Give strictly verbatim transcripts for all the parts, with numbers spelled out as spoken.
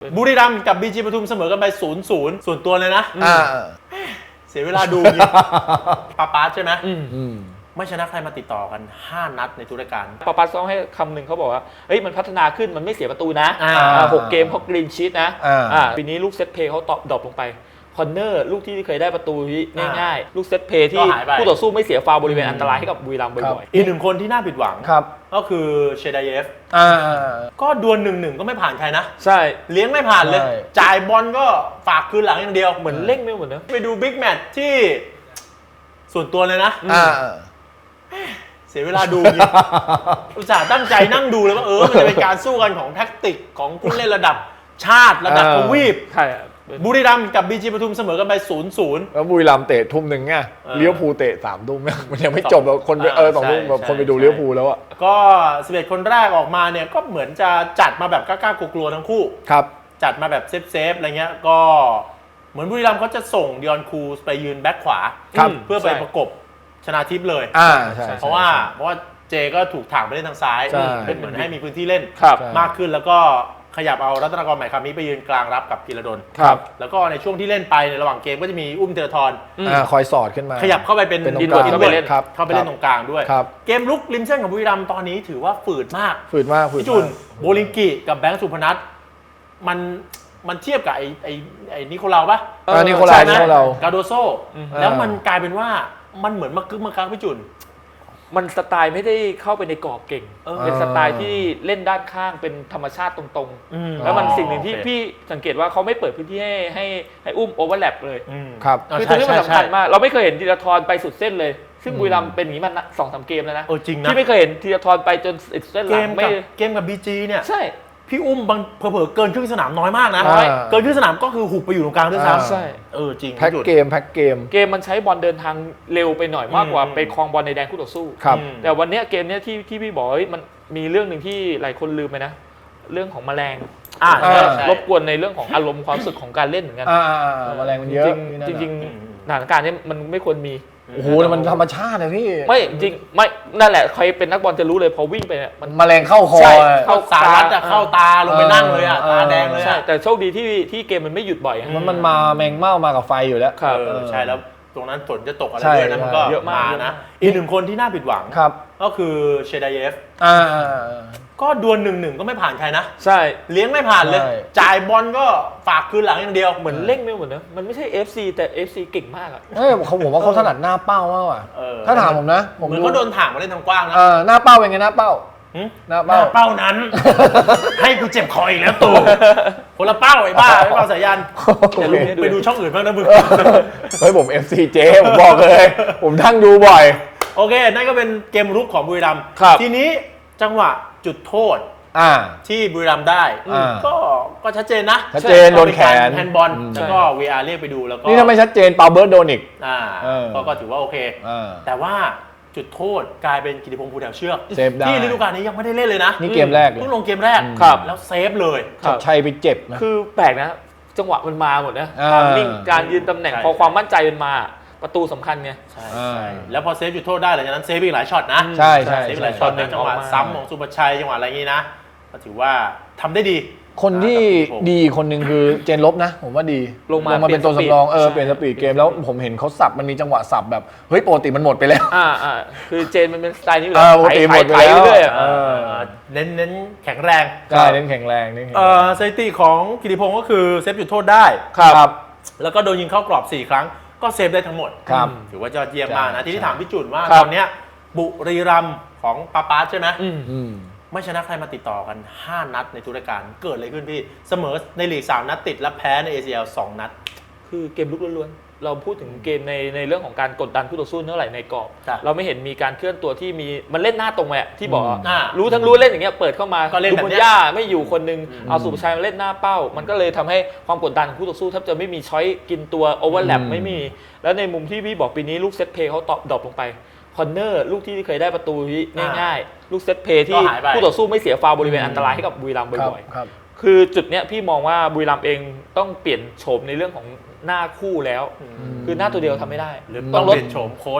บุรีรัมย์กับบีจีปทุมเสมอกันไปศูนย์ศูนย์ส่วนตัวเลยนะเสียเวลาดูปาปาใช่ไหมไม่ชนะใครมาติดต่อกันห้านัดในทุกรายการปาปาซ้องให้คำหนึ่งเขาบอกว่าเฮ้ยมันพัฒนาขึ้นมันไม่เสียประตูนะหกเกมเขากรีนชีตนะปีนี้ลูกเซตเพย์เขาตอบดรอปลงไปคอนเนอร์ลูกที่เคยได้ประตูง่ายๆลูกเซตเพย์ที่ผู้ต่อสู้ไม่เสียฟาวล์บริเวณอันตรายให้กับบุรีรัมย์บ่อยๆอีกหนึ่งคนที่น่าผิดหวังก็คือเชดาเยฟก็ดวลหนึ่งหนึ่งก็ไม่ผ่านใครนะใช่เลี้ยงไม่ผ่านเลยจ่ายบอลก็ฝากคืนหลังอย่างเดียวเหมือนเล่งไม่เหมือนนะไปดูบิ๊กแมตช์ที่ส่วนตัวเลยนะเสียเวลาดูอุตส่าห์ตั้งใจนั่งดูเลยว่าเออมันจะเป็นการสู้กันของแท็กติกของผู้เล่นระดับชาติระดับทวีปบุรีรัมย์กับบีจีปทุมเสมอกันไปศูนย์ศูนย์แล้วบุรีรัมย์เตะทุ่มหนึ่งไงเลี้ยวภูเตะสามทุ่มมันยังไม่จบแล้วคนไปเออสองทุ่มแบบคนไปดูเลี้ยวภูแล้วอ่ะก็สิบเอ็ดคนแรกออกมาเนี่ยก็เหมือนจะจัดมาแบบกล้าๆกลัวๆทั้งคู่ครับจัดมาแบบเซฟๆอะไรเงี้ยก็เหมือนบุรีรัมย์เขาจะส่งดิออนคูสไปยืนแบ็คขวาเพื่อไปประกบชนาทิพย์เลยเพราะว่าเพราะว่าเจก็ถูกถ่างไปเล่นทางซ้ายเป็นเหมือนให้มีพื้นที่เล่นมากขึ้นแล้วก็ขยับเอารัตนกรใหม่คำนี้ไปยืนกลางรับกับพีระดลแล้วก็ในช่วงที่เล่นไปในระหว่างเกมก็จะมีอุ้มเทอร์ทอนคอยสอดขึ้นมาขยับเข้าไปเป็นดินที่เข้าไปเล่นเข้าไปเล่นตรงกลางด้วยเกมลุกริมเส้นของบุรีรัมย์ตอนนี้ถือว่าฝืดมากฝืดมากพี่จุนโบลิงกิกับแบงค์สุพนัทมันมันเทียบกับไอ้ไอ้ไอ้นิโคลาปะนิโคลานิโคลากาโดโซแล้วมันกลายเป็นว่ามันเหมือนมากึกมากักพี่จุนมันสไตล์ไม่ได้เข้าไปในกรอบเก่งเป็นสไตล์ที่เล่นด้านข้างเป็นธรรมชาติตรงๆแล้วมันสิ่งหนึ่งที่พี่สังเกตว่าเขาไม่เปิดพื้นที่ให้ให้ให้อุ้มโอเวอร์แลปเลยครับคือตรงนี้มันสำคัญมากเราไม่เคยเห็นธีรทรไปสุดเส้นเลยซึ่งบุรีรัมย์เป็นอย่างนี้มาสองสามเกมแล้วนะที่ไม่เคยเห็นธีรทรไปจนสุดเส้นหลังไม่เกมกับบีจีเนี่ยใช่พี่อุ้มบางเผลอๆเกินครึ่งสนามน้อยมากนะเกินครึ่งสนามก็คือหุบไปอยู่ตรงกลางด้วยซ้ำใช่เออจริงแพ็กเกมแพ็กเกมเกมมันใช้บอลเดินทางเร็วไปหน่อยมากกว่าไปคลองบอลในแดนคู่ต่อสู้แต่วันนี้เกมนี้ที่ที่พี่บอกมันมีเรื่องหนึ่งที่หลายคนลืมไปนะเรื่องของแมลงรบกวนในเรื่องของอารมณ์ความรู้สึกของการเล่นเหมือนกันแมลงมันเยอะจริงจริงสถานการณ์นี้มันไม่ควรมีโอ้โหมันธรรมชาติเลยพี่ไม่จริงไม่นั่นแหละใครเป็นนักบอลจะรู้เลยพอวิ่งไปเนี่ยมันแมลงเข้าคอเข้าสารัดอะเข้าตาลงไปนั่งเลยอะตาแดงเลยใช่แต่โชคดีที่ที่เกมมันไม่หยุดบ่อยมันมันมาแมงเม่ามากับไฟอยู่แล้วครับใช่แล้วตรงนั้นฝนจะตกอะไรด้วยนะมันก็เยอะมากนะอีกหนึ่งคนที่น่าผิดหวังก็คือเชดาเยฟก็ดวลหนึ่งหนึ่งก็ไม่ผ่านใครนะใช่เลี้ยงไม่ผ่านเลยจ่ายบอลก็ฝากคืนหลังอย่างเดียวเหมือนเล่งไม่เหมือนนะมันไม่ใช่ เอฟ ซี แต่ เอฟ ซี เก่งมากอ่ะเออเขาผมว่าเขาถนัดหน้าเป้ามากกว่าถ้าถามผมนะผมเหมือนเขาโดนถางมาเล่นทางกว้างนะหน้าเป้าเป็นไงหน้าเป้าหน้าเป้าเป้านั้นให้กูเจ็บคออีกแล้วตู่คนละเป้าไอ้บ้าไอ้เป้าสายันไปดูช่องอื่นบ้างนะมึงเฮ้ยผม เอฟ ซี เจ ผมบอกเลยผมทั้งดูบ่อยโอเคนั่นก็เป็นเกมรุกของบุรีรัมย์ทีนี้จังหวะจุดโทษที่บุรีรัมย์ได้ก็ก็ชัดเจนนะชัดเจนโดนแขนแฮนด์บอลแล้วก็ วี อาร์ เรียกไปดูแล้วก็นี่ถ้าไม่ชัดเจนเปาเบิร์ดโดนอีกก็ถือว่าโอเคแต่ว่าจุดโทษกลายเป็นกิติพงษ์ภูแถวเชือกที่ฤดูกาลนี้ยังไม่ได้เล่นเลยนะนี่เกมแรกเลยเพิ่งลงเกมแรกแล้วเซฟเลยชัยไปเจ็บนะคือแปลกนะจังหวะมันมาหมดนะความนิ่งการยืนตำแหน่งพอความมั่นใจมันมาประตูสำคัญไงใช่แล้วพอเซฟจุดโทษได้หลังจากนั้นเซฟอีกหลายช็อตนะใช่ใช่เซฟอีกหลายช็อตนะจังหวะซ้ำของสุภชัยจังหวะอะไรงี้นะก็ถือว่าทำได้ดีคนที่ดีคนหนึ่งคือเจนลบนะผมว่าดีลงมาเป็นตัวสำรองเออเปลี่ยนสปีดเกมแล้วผมเห็นเขาสับมันมีจังหวะสับแบบเฮ้ยปกติมันหมดไปแล้วอ่าอ่าคือเจนมันเป็นสไตล์นี้อยู่แล้วปกติหมดไปแล้วเน้นเน้นแข็งแรงใช่เน้นแข็งแรงนี่เออสถิติของกิติพงษ์ก็คือเซฟจุดโทษได้ครับแล้วก็โดนยิงเข้ากรอบสี่ครั้งก็เซฟได้ทั้งหมดถือว่ายอดเยี่ยมมากนะที่ที่ถามพี่จุนว่าตอนนี้บุรีรัมย์ของปาปาใช่ไหมไม่ชนะใครมาติดต่อกันห้านัดในทุกรายการเกิดอะไรขึ้นพี่เสมอในลีกสามนัดติดและแพ้ใน เอ ซี แอล สองนัดคือเกมลุกล้วนๆเราพูดถึงเกมในในเรื่องของการกดดันคู่ต่อสู้เท่าไหร่ในกรอบเราไม่เห็นมีการเคลื่อนตัวที่มีมันเล่นหน้าตรงไปที่บอกรู้ทั้งรู้เล่นอย่างเงี้ยเปิดเข้ามาดูบนหญ้าไม่อยู่คนนึงเอาสุภชัยมาเล่นหน้าเป้ามันก็เลยทำให้ความกดดันของคู่ต่อสู้แทบจะไม่มีช้อยกินตัวโอเวอร์แลปไม่มีแล้วในมุมที่พี่บอกปีนี้ลูกเซตเพย์เขาตอบดรอปลงไปคอนเนอร์ลูกที่เคยได้ประตูง่ายๆลูกเซตเพย์ที่ผู้ต่อสู้ไม่เสียฟาวล์บริเวณอันตรายให้กับบุรีรัมย์บ่อยๆคือจุดเนี้ยพี่มองว่าบุรีรัมย์เองต้องเปลี่ยนโฉมในเรื่องของหน้าคู่แล้วคือหน้าตัวเดียวทำไม่ได้หรือต้องเปลี่ยนโฉมโค้ช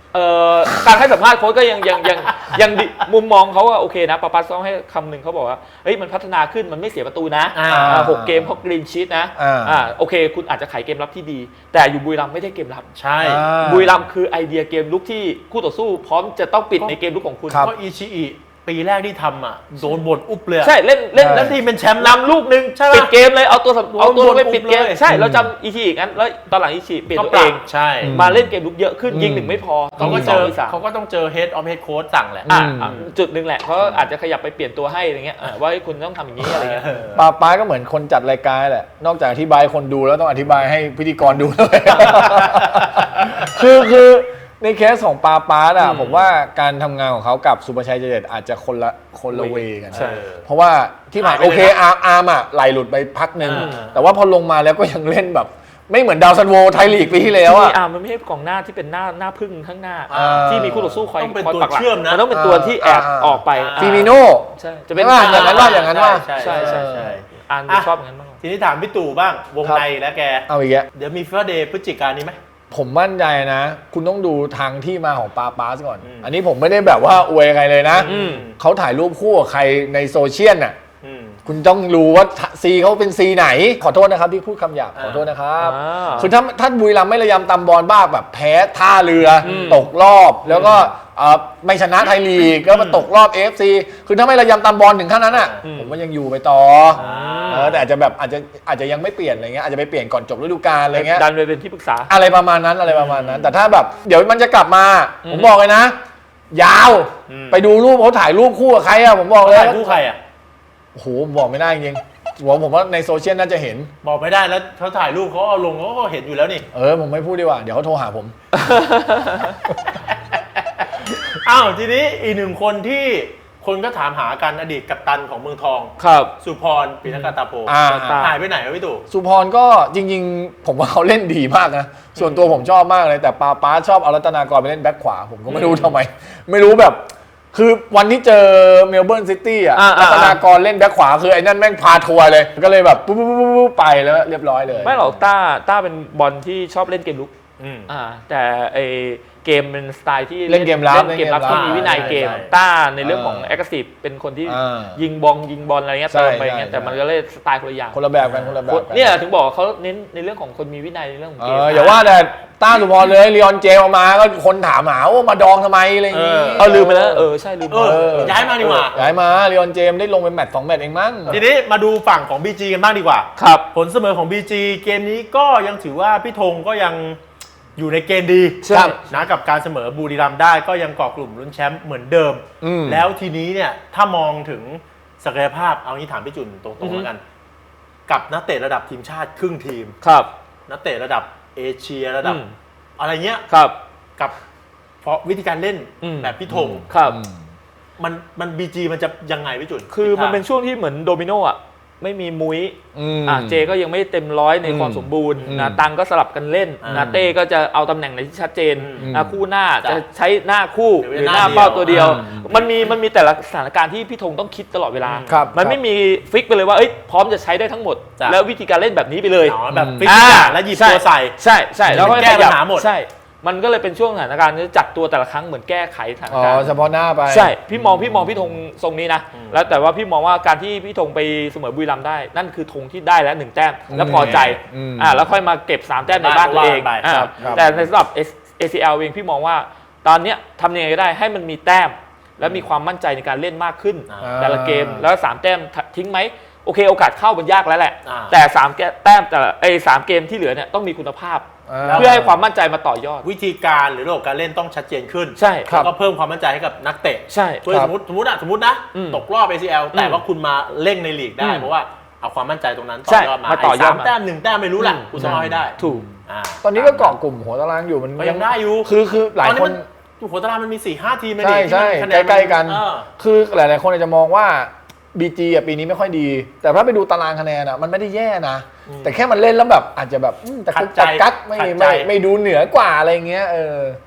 เอ่อการให้สัมภาษณ์โค้ชก็ยังยังยังยังดิมุมมองเขาว่าโอเคนะปาปัสต้องให้คำหนึ่งเขาบอกว่าเฮ้ยมันพัฒนาขึ้นมันไม่เสียประตูนะอ่าอ่าหกเกมเขากรีนชีตนะอ่าอ่าโอเคคุณอาจจะขายเกมรับที่ดี แต่อยู่บุรีรัมย์ไม่ได้เกมรับใช่อ่าบุรีรัมย์คือไอเดียเกมลุกที่คู่ต่อสู้พร้อมจะต้องปิดในเกมลุกของคุณครับก็อิชิอิปีแรกที่ทำอ่ะโดนบ่นอุบเลยอะใช่เล่นเล่นใช่แล้แล้ว วทีมเป็นแชมป์นำลูกหนึ่งใช่ปะปิดเกมเลยเอาตัวสำเอาตัวลงไปปิดเกมเลยใช่เราจำอีทีอีกงั้นแล้วตอนหลังอีทีเปลี่ยนก็ตัวปเอรับงใช่มาเล่นเกมลุกเยอะขึ้นอืมยิงหนึ่งไม่พอเขาก็มีเจสองอมีสามเขาก็ต้องเจอ head of head coach สั่งแหละอ่ะอืมอ่ะจุดหนึ่งแหละเขาอาจจะขยับไปเปลี่ยนตัวให้อะไรเงี้ยอ่ะว่าเฮ้ยคุณต้องทำอย่างนี้อะไรเงี้ยปาป้าก็เหมือนคนจัดรายการแหละ นอกจากอธิบายคนดูแล้วต้องอธิบายให้พิธีกรดูด้วย คือคือในเคสของปาป้าอะอืมผมว่าการทำงานของเขากับสุภชัยใจเด็ดอาจจะคนละคนละเวกันใช่เพราะว่าที่ผ่านหายไปโอเคเลยนะอาร์อาร์มอะไหลหลุดไปพักหนึ่งอ่าแต่ว่าพอลงมาแล้วก็ยังเล่นแบบ ไม่เหมือนดาวซันโวไทยลีกปีที่แล้วอะอ่ะมันไม่ใช่กองหน้าที่เป็นหน้าหน้าพึ่งข้างหน้าอ่าที่มีคู่ต่อสู้คอยต้องเป็นคอยตัวปักหลักเชื่อมนะมันต้องเป็นตัวที่แอบอ่าออกไปอ่าฟิมิโน่ใช่จะเป็นว่าอย่างนั้นว่าอย่างนั้นว่าใช่ใช่ใช่ใช่อ่านอ่ะชอบอย่างนั้นมากกว่าทีนี้ถามพี่ตู่บ้างวงครับในและแกเอาอีกแล้วเดี๋ยวมีฟิฟาเดย์พฤศจิกายนนี้ไหมผมมั่นใจนะ คุณต้องดูทางที่มาของปาปาสก่อนอืมอันนี้ผมไม่ได้แบบว่าอวยใครเลยนะอืมเขาถ่ายรูปคู่กับใครในโซเชียลน่ะอืมคุณต้องรู้ว่าซีเขาเป็นซีไหน ขอโทษนะครับที่พูดคำหยาบอ่าขอโทษนะครับอ่าคือถ้าถ้าบุรีรัมย์ไม่ระยำตำบอลบ้างแบบแพ้ท่าเรืออมตกรอบ แล้วก็เอ่อไม่ชนะไทยลีกก็มาตกรอบ เอ เอฟ ซี คือถ้าไม่ระยำตำบอลถึงขั้นนั้นอ่ะอืมผมว่ายังอยู่ไปต่อออ่าเออแต่อาจจะแบบอาจจะอาจจะยังไม่เปลี่ยนอะไรเงี้ยอาจจะไปเปลี่ยนก่อนจบฤดูกาลอะไรเงี้ยดันไปเป็นที่ปรึกษาอะไรประมาณนั้นอะไรประมาณนั้น แต่ถ้าแบบเดี๋ยวมันจะกลับมาอืมผมบอกเลยนะ ยาวอืมไปดูรูปเขาถ่ายรูปคู่กับใครอะผมบอกเลยถ่ายคู่ใครอ่ะโอ้โหผมบอกไม่ได้จริงๆผมผมว่าในโซเชียลน่าจะเห็นบอกไม่ได้แล้วเขาถ่ายรูปเขาเอาลงเขาก็เห็นอยู่แล้วนี่เออผมไม่พูดดีกว่าเดี๋ยวเขาโทรหาผมอ้าวทีนี้อีกหนึ่งคนที่คนก็ถามหากันอดีตกัปตันของเมืองทองครับสุพรปิณกาตาโพอ่าหายไปไหนวะพี่ตู่สุพรก็จริงๆ ผมว่าเขาเล่นดีมากนะ ส่วนตัวผมชอบมากเลย แต่ปาป้าชอบเอารัตนากรไปเล่นแบ็คขวา ผมก็ไม่รู้ทำไม ไม่รู้แบบ คือวันที่เจอเมลเบิร์นซิตี้อ่ะอ่ารัอ่าตนากรเล่นแบ็คขวาคือไอ้นั่นแม่งพาทัวร์เลย ก็เลยแบบปุ๊บปุ๊บปุ๊บปุ๊บไปแล้วเรียบร้อยเลยไม่หรอกต้าต้าเป็นบอลที่ชอบเล่นเกมลุกอืมอ่าแต่ไอเกมเป็นสไตล์ที่เล่นเกมรับเล่นเกมรับเล่นเกมรับที่มีวินัยเกมใช่ใช่ต้าในเรื่องของอ่าแอคทีฟเป็นคนที่อ่ายิงบอลยิงบอลอะไรเงี้ยใช่เติมไปเงี้ยใช่แต่มันก็เล่นสไตล์คนละอย่างคนละแบบกันคนละแบบกันเนี่ยถึงบอกว่าเขาเน้นในเรื่องของคนมีวินัยในเรื่องของเอเกมออย่าว่าแต่ต้าสุพรเลยลีออนเจมส์ออกมาก็คนถามหาว่ามาดองทำไมอะไรอย่างงี้เออเออลืมไปแล้วเออใช่ลืมเอไปอเออย้ายมาดีกว่าย้ายมาลีออนเจมส์ได้ลงเป็นแมตช์สองแมตช์เองมั้งทีนี้มาดูฝั่งของ บี จี กันบ้างดีกว่าครับผลเสมอของ บี จี เกมนี้ก็ยังถือว่าพี่ธงก็ยังอยู่ในเกณฑ์ดีใช่ครับนะกับการเสมอบุรีรัมย์ได้ก็ยังเกาะกลุ่มลุ้นแชมป์เหมือนเดิมอืมแล้วทีนี้เนี่ยถ้ามองถึงศักยภาพเอางี้ถามพี่จุนตรงๆแล้วกัน กับนักเตะระดับทีมชาติครึ่งทีมครับนักเตะระดับเอเชียระดับอืมอะไรเงี้ยครับกับเพราะวิธีการเล่นอืมแบบพี่ธงครับมันมันบีจีมันจะยังไงพี่จุนคือมันเป็นช่วงที่เหมือนโดมิโนอ่ะไม่มีมุ้ยอืมอ่ะเจก็ยังไม่เต็มร้อยในอืมความสมบูรณ์อืมนะตังก็สลับกันเล่นอ่านนะเต้ก็จะเอาตำแหน่งไหนที่ชัดเจนอืมนะคู่หน้าจ้ะจะใช้หน้าคู่หรือหรือหหน้าน้าเป้าตัวเดียวอืมมันมีมันมีแต่ละสถานการณ์ที่พี่ธงต้องคิดตลอดเวลาครับมันครับไม่มีฟิกไปเลยว่าเอ้ยพร้อมจะใช้ได้ทั้งหมดจ้ะแล้ววิธีการเล่นแบบนี้ไปเลยอ๋อแบบอืมฟิกทุกอย่างแล้วหยิบตัวใส่ใช่ใช่แล้วก็แก้ปัญหาหมดใช่ มันก็เลยเป็นช่วงสถานการณ์ที่จัดตัวแต่ละครั้งเหมือนแก้ไขสถานอ๋อการณ์เฉพาะหน้าไปใช่ พี่มองพี่มองพี่ธงทรงนี้นะอืมแล้วแต่ว่าพี่มองว่าการที่พี่ธงไปเสมอบุรีรัมย์ได้ นั่นคือธงที่ได้แล้วหนึ่งแต้ม แล้วพอใจอืมอ่าแล้วค่อยมาเก็บสามแต้มในบ้านตัวเองบ้านไปอ่าครับครับแต่ในสำหรับ เอ ซี แอล เองพี่มองว่า ตอนเนี้ยทำยังไงก็ได้ให้มันมีแต้ม และมีความมั่นใจในการเล่นมากขึ้นอ่าแต่ละเกมแล้วสามแต้มทิ้งไหมโอเคโอกาสเข้ามันยากแล้วแหละอ่าแต่สามแต้มแต่ละไอ้สามเกมที่เหลือเนี่ยต้องมีคุณภาพาเพื่อให้ความมั่นใจมาต่อยอดวิธีการหรือระบบการเล่นต้องชัดเจนขึ้นใช่ครับแล้วก็เพิ่มความมั่นใจให้กับนักเตะใช่เพื่อครัสบมมติสมมติอะสมมตินะอืมตกรอบ เอ ซี แอล แต่อืมว่าคุณมาเล่งในลีกได้อืมเพราะว่าเอาความมั่นใจตรงนั้นต่ใช่อยอดมามาต่อยอดไสามมาแต้มหนึ่งแต้มไม่รู้แหละอืมคุณต้องเอาให้ได้ถูกอ่าตอนนี้ก็เกาะกลุ่มหัวตารางอยู่มันก็ยังได้อยู่คือคือหลายตอนนี้คมัน นหัวตารางมันมีสี่ห้าทีมเลยใช่นี่ใช่ที่มันคะแนนใกล้ๆกันเออคือหลาย ๆ คนอาจจะมองว่า บี จี อ่ะปีนี้ไม่ค่อยดี แต่ถ้าไปดูตารางคะแนนอ่ะมันไม่ได้แย่นะอืมแต่แค่มันเล่นแล้วแบบอาจจะแบบอืมแต่ขักุดกใจแต่กักไม่ขัดใจไม่ไม่ดูเหนือกว่าอะไรเงี้ยเออ